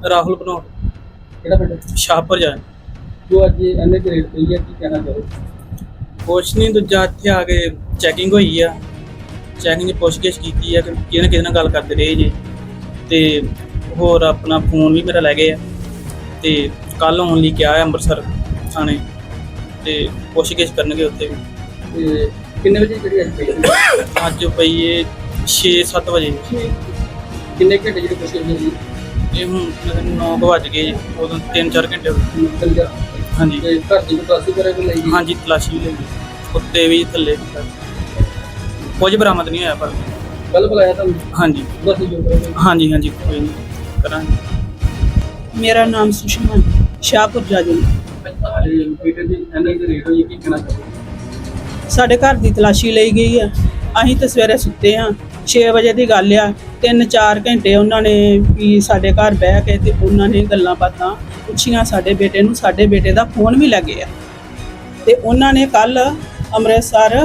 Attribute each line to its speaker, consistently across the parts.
Speaker 1: ਰਾਹੁਲ ਬਣਾਉ
Speaker 2: ਕਿਹੜਾ ਪਿੰਡ?
Speaker 1: ਸ਼ਾਹਪੁਰ ਜਾ
Speaker 2: ਜੋ ਅੱਜ ਇਹਨੇ ਚ ਰੇਟ ਪਈ ਹੈ, ਕੀ ਕਹਿਣਾ ਚਾਹੋ?
Speaker 1: ਕੁਛ ਨਹੀਂ, ਦੂਜਾ ਇੱਥੇ ਆ ਕੇ ਚੈਕਿੰਗ ਹੋਈ ਆ। ਚੈਕਿੰਗ 'ਚ ਪੁੱਛਗਿੱਛ ਕੀਤੀ ਆ ਕਿ ਕਿਹਦੇ ਨਾਲ ਗੱਲ ਕਰਦੇ ਰਹੇ ਜੇ, ਤੇ ਹੋਰ ਆਪਣਾ ਫੋਨ ਵੀ ਮੇਰਾ ਲੈ ਗਏ ਆ। ਤੇ ਕੱਲ੍ਹ ਆਉਣ ਲਈ ਕਿਹਾ ਹੈ ਅੰਮ੍ਰਿਤਸਰ ਥਾਣੇ, ਤੇ ਪੁੱਛਗਿੱਛ ਕਰਨਗੇ ਉੱਥੇ ਵੀ।
Speaker 2: ਤੇ ਕਿੰਨੇ ਵਜੇ ਜਿਹੜੀ ਅੱਜ ਪਈ ਹੈ?
Speaker 1: ਅੱਜ ਪਈ ਏ 6-7 ਵਜੇ।
Speaker 2: ਕਿੰਨੇ ਘੰਟੇ ਜਿਹੜੀ ਕੋਸ਼ਿਸ਼ ਹੋਈ?
Speaker 1: ਇਹ ਹੁਣ ਮਤਲਬ 9 ਵੱਜ ਗਏ ਜੀ, ਉਦੋਂ 3-4 ਘੰਟੇ ਹੋ ਗਏ।
Speaker 2: ਚੱਲ ਗਿਆ।
Speaker 1: ਹਾਂਜੀ
Speaker 2: ਤੇ ਘਰ ਦੀ ਤਲਾਸ਼ੀ ਕਰੇ ਕੋਈ ਲਈ?
Speaker 1: ਹਾਂਜੀ, ਤਲਾਸ਼ੀ ਵੀ ਲਈ, ਕੁੱਤੇ ਵੀ ਥੱਲੇ ਵੀ। ਕੁਝ ਬਰਾਮਦ ਨਹੀਂ ਹੋਇਆ ਪਰ।
Speaker 2: ਕੱਲ ਬੁਲਾਇਆ ਤੁਹਾਨੂੰ?
Speaker 1: ਹਾਂਜੀ
Speaker 2: ਬਸ ਜੋ ਕਰੋਗੇ।
Speaker 1: ਹਾਂਜੀ ਹਾਂਜੀ, ਕੋਈ ਨਹੀਂ ਕਰਾਂਗੇ।
Speaker 3: ਮੇਰਾ ਨਾਮ ਸੁਸ਼ਮਾ ਸ਼ਾਹਪੁਰ ਜਾਜੂ।
Speaker 2: ਬੇਟੇ ਦੀ ਇਹਨੇ ਦੀ ਰੇਟ ਹੋਈ, ਕੀ ਕਹਿਣਾ ਚਾਹੋ?
Speaker 3: ਸਾਡੇ ਘਰ ਦੀ ਤਲਾਸ਼ੀ ਲਈ ਗਈ ਆ। ਅਸੀਂ ਤਾਂ ਸਵੇਰੇ ਸੁੱਤੇ ਹਾਂ, 6 ਵਜੇ ਦੀ ਗੱਲ ਆ। 3-4 ਘੰਟੇ ਉਹਨਾਂ ਨੇ ਵੀ ਸਾਡੇ ਘਰ ਬਹਿ ਕੇ ਤੇ ਉਹਨਾਂ ਨੇ ਗੱਲਾਂ ਬਾਤਾਂ ਪੁੱਛੀਆਂ ਸਾਡੇ ਬੇਟੇ ਨੂੰ। ਸਾਡੇ ਬੇਟੇ ਦਾ ਫੋਨ ਵੀ ਲੱਗੇ ਆ ਤੇ ਉਹਨਾਂ ਨੇ ਕੱਲ ਅੰਮ੍ਰਿਤਸਰ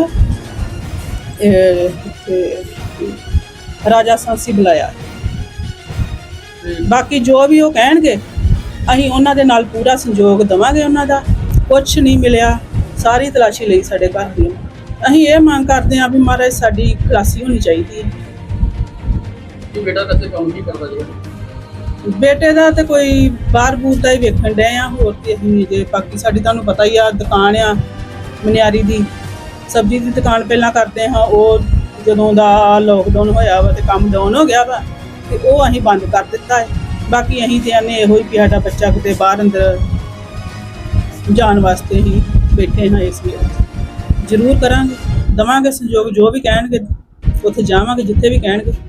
Speaker 3: ਰਾਜਾ ਸਾਂਸੀ ਬੁਲਾਇਆ। ਬਾਕੀ ਜੋ ਵੀ ਉਹ ਕਹਿਣਗੇ ਅਸੀਂ ਉਹਨਾਂ ਦੇ ਨਾਲ ਪੂਰਾ ਸੰਯੋਗ ਦੇਵਾਂਗੇ। ਉਹਨਾਂ ਦਾ ਕੁਛ ਨਹੀਂ ਮਿਲਿਆ, ਸਾਰੀ ਤਲਾਸ਼ੀ ਲਈ ਸਾਡੇ ਘਰ ਦੀ। ਅਸੀਂ ਇਹ ਮੰਗ ਕਰਦੇ ਹਾਂ ਵੀ ਮਹਾਰਾਜ ਸਾਡੀ ਖਲਾਸੀ ਹੋਣੀ ਚਾਹੀਦੀ ਹੈ।
Speaker 2: ਕੀ ਬੇਟਾ ਵੈਸੇ ਕੰਮ ਕੀ ਕਰਦਾ ਜੀ?
Speaker 3: ਬੇਟੇ ਦਾ ਤੇ ਕੋਈ ਬਾਹਰ ਬੂਰ ਦਾ ਹੀ ਵੇਖਣ ਡਏ ਆ, ਹੋਰ ਤੇ ਅਸੀਂ ਜੇ ਬਾਕੀ ਸਾਡੀ ਤੁਹਾਨੂੰ ਪਤਾ ਹੀ ਆ ਦੁਕਾਨ ਆ ਮਨਿਆਰੀ ਦੀ, ਸਬਜ਼ੀ ਦੀ ਦੁਕਾਨ ਪਹਿਲਾਂ ਕਰਦੇ ਹਾਂ। ਉਹ ਜਦੋਂ ਦਾ ਲੋਕਡਾਊਨ ਹੋਇਆ ਵਾ ਤੇ ਕੰਮ ਡਾਊਨ ਹੋ ਗਿਆ ਵਾ ਤੇ ਉਹ ਅਸੀਂ ਬੰਦ ਕਰ ਦਿੱਤਾ ਹੈ। ਬਾਕੀ ਅਸੀਂ ਤੇ ਆਨੇ ਇਹੋ ਹੀ ਵੀ ਸਾਡਾ ਬੱਚਾ ਕਿਤੇ ਬਾਹਰ ਅੰਦਰ ਜਾਣ ਵਾਸਤੇ ਹੀ ਬੈਠੇ ਹਾਂ। ਇਸ ਲਈ ਜ਼ਰੂਰ ਕਰਾਂਗੇ, ਦੇਵਾਂਗੇ ਸਹਿਯੋਗ, ਜੋ ਵੀ ਕਹਿਣਗੇ ਉੱਥੇ ਜਾਵਾਂਗੇ, ਜਿੱਥੇ ਵੀ ਕਹਿਣਗੇ।